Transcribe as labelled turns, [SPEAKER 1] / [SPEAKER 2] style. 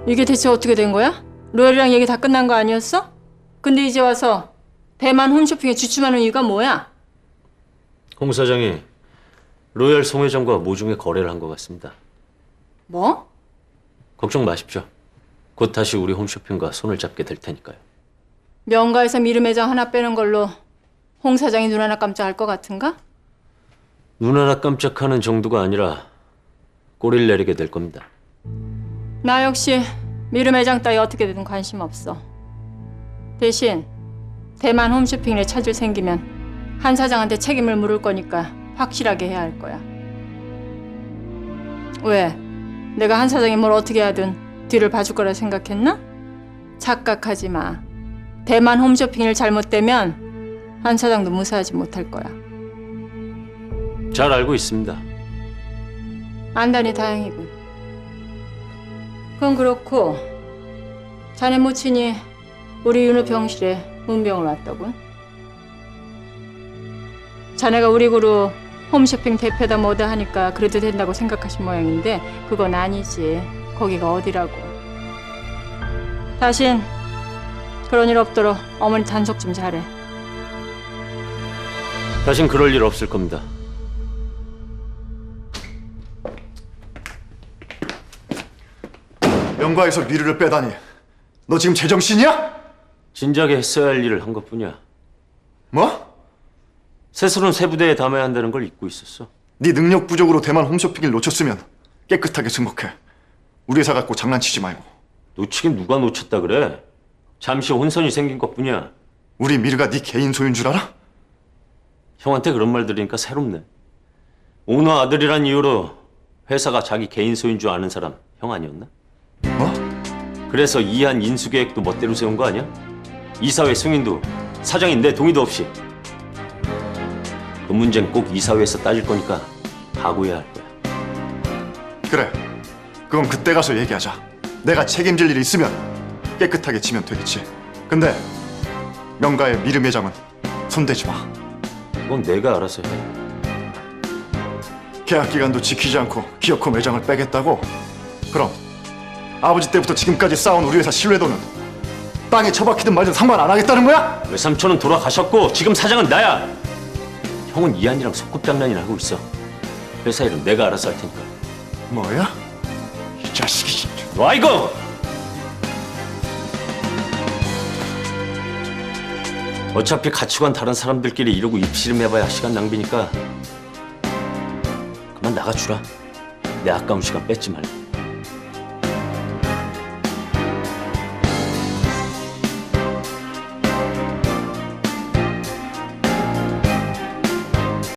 [SPEAKER 1] 이게 대체 어떻게 된 거야? 로열이랑 얘기 다 끝난 거 아니었어? 근데 이제 와서 대만 홈쇼핑에 주춤하는 이유가 뭐야?
[SPEAKER 2] 홍 사장이 로열 송 회장과 모종의 거래를 한 것 같습니다.
[SPEAKER 1] 뭐?
[SPEAKER 2] 걱정 마십시오. 곧 다시 우리 홈쇼핑과 손을 잡게 될 테니까요.
[SPEAKER 1] 명가에서 미르 매장 하나 빼는 걸로 홍 사장이 눈 하나 깜짝할 것 같은가?
[SPEAKER 2] 눈 하나 깜짝하는 정도가 아니라 꼬리를 내리게 될 겁니다.
[SPEAKER 1] 나 역시 미르 매장 따위 어떻게 되든 관심 없어. 대신 대만 홈쇼핑에 차질 생기면 한 사장한테 책임을 물을 거니까 확실하게 해야 할 거야. 왜? 내가 한 사장이 뭘 어떻게 하든 뒤를 봐줄 거라 생각했나? 착각하지 마. 대만 홈쇼핑을 잘못되면 한 사장도 무사하지 못할 거야.
[SPEAKER 2] 잘 알고 있습니다.
[SPEAKER 1] 안다니 다행이군. 그건 그렇고 자네 모친이 우리 윤호 병실에 문병을 왔더군. 자네가 우리 그룹 홈쇼핑 대표다 뭐다 하니까 그래도 된다고 생각하신 모양인데 그건 아니지. 거기가 어디라고. 다신 그런 일 없도록 어머니 단속 좀 잘해.
[SPEAKER 2] 다신 그럴 일 없을 겁니다.
[SPEAKER 3] 명가에서 미르를 빼다니. 너 지금 제정신이야?
[SPEAKER 2] 진작에 했어야 할 일을 한 것뿐이야.
[SPEAKER 3] 뭐?
[SPEAKER 2] 세술은 새 부대에 담아야 한다는 걸 잊고 있었어.
[SPEAKER 3] 네 능력 부족으로 대만 홈쇼핑을 놓쳤으면 깨끗하게 승복해. 우리 회사 갖고 장난치지 말고.
[SPEAKER 2] 놓치긴 누가 놓쳤다 그래? 잠시 혼선이 생긴 것뿐이야.
[SPEAKER 3] 우리 미르가 네 개인 소유인 줄 알아?
[SPEAKER 2] 형한테 그런 말 들으니까 새롭네. 오너 아들이란 이유로 회사가 자기 개인 소유인 줄 아는 사람 형 아니었나?
[SPEAKER 3] 뭐?
[SPEAKER 2] 그래서 이한 인수 계획도 멋대로 세운 거 아니야? 이사회 승인도 사장인 내 동의도 없이. 그 문제는 꼭 이사회에서 따질 거니까 각오해야 할 거야.
[SPEAKER 3] 그래. 그건 그때 가서 얘기하자. 내가 책임질 일이 있으면 깨끗하게 치면 되겠지. 근데 명가의 미르 매장은 손대지 마.
[SPEAKER 2] 그건 내가 알아서 해.
[SPEAKER 3] 계약 기간도 지키지 않고 기어코 매장을 빼겠다고? 그럼 아버지 때부터 지금까지 쌓아온 우리 회사 신뢰도는 땅에 처박히든 말든 상관 안 하겠다는 거야?
[SPEAKER 2] 외삼촌은 돌아가셨고 지금 사장은 나야. 형은 이한이랑 소꿉장난이나 하고 있어. 회사 일은 내가 알아서 할 테니까.
[SPEAKER 3] 뭐야? 이 자식이 진짜.
[SPEAKER 2] 와 이거! 어차피 가치관 다른 사람들끼리 이러고 입씨름해봐야 시간 낭비니까 그만 나가주라. 내 아까운 시간 뺏지 말고.